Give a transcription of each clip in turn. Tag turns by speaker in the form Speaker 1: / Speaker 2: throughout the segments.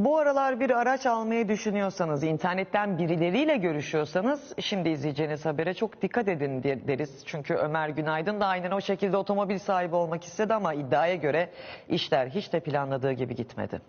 Speaker 1: Bu aralar bir araç almayı düşünüyorsanız, internetten birileriyle görüşüyorsanız şimdi izleyeceğiniz habere çok dikkat edin deriz. Çünkü Ömer Günaydın da aynen o şekilde otomobil sahibi olmak istedi ama iddiaya göre işler hiç de planladığı gibi gitmedi.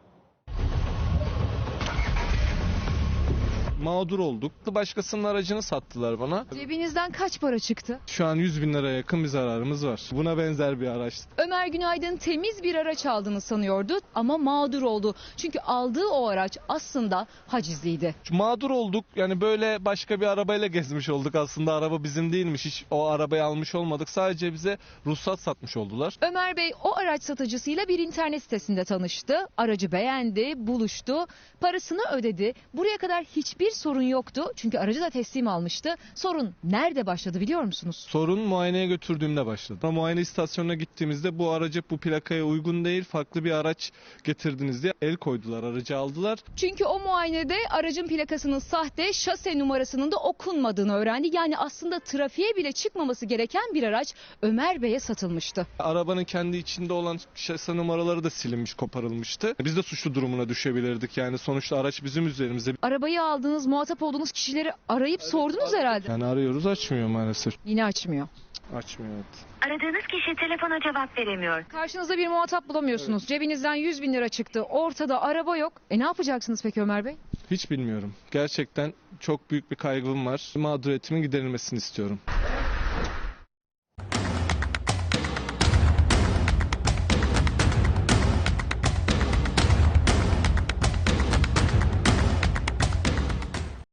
Speaker 2: Mağdur olduk. Başkasının aracını sattılar bana.
Speaker 3: Cebinizden kaç para çıktı?
Speaker 2: Şu an 100 bin liraya yakın bir zararımız var. Buna benzer bir araç.
Speaker 3: Ömer Günaydın temiz bir araç aldığını sanıyordu ama mağdur oldu. Çünkü aldığı o araç aslında hacizliydi.
Speaker 2: Mağdur olduk. Yani böyle başka bir arabayla gezmiş olduk aslında. Araba bizim değilmiş. Hiç o arabayı almış olmadık. Sadece bize ruhsat satmış oldular.
Speaker 3: Ömer Bey o araç satıcısıyla bir internet sitesinde tanıştı. Aracı beğendi, buluştu, parasını ödedi. Buraya kadar hiçbir sorun yoktu. Çünkü aracı da teslim almıştı. Sorun nerede başladı biliyor musunuz?
Speaker 2: Sorun muayeneye götürdüğümde başladı. Ama muayene istasyonuna gittiğimizde bu aracı bu plakaya uygun değil, farklı bir araç getirdiniz diye el koydular, aracı aldılar.
Speaker 3: Çünkü o muayenede aracın plakasının sahte, şase numarasının da okunmadığını öğrendi. Yani aslında trafiğe bile çıkmaması gereken bir araç Ömer Bey'e satılmıştı.
Speaker 2: Arabanın kendi içinde olan şase numaraları da silinmiş, koparılmıştı. Biz de suçlu durumuna düşebilirdik. Yani sonuçta araç bizim üzerimizde.
Speaker 3: Arabayı aldığınız, muhatap olduğunuz kişileri arayıp sordunuz herhalde.
Speaker 2: Yani arıyoruz, açmıyor maalesef.
Speaker 3: Yine açmıyor.
Speaker 2: Açmıyor, evet.
Speaker 4: Aradığınız kişi telefona cevap veremiyor.
Speaker 3: Karşınızda bir muhatap bulamıyorsunuz. Cebinizden 100 bin lira çıktı. Ortada araba yok. Ne yapacaksınız peki Ömer Bey?
Speaker 2: Hiç bilmiyorum. Gerçekten çok büyük bir kaygım var. Mağduriyetimin giderilmesini istiyorum.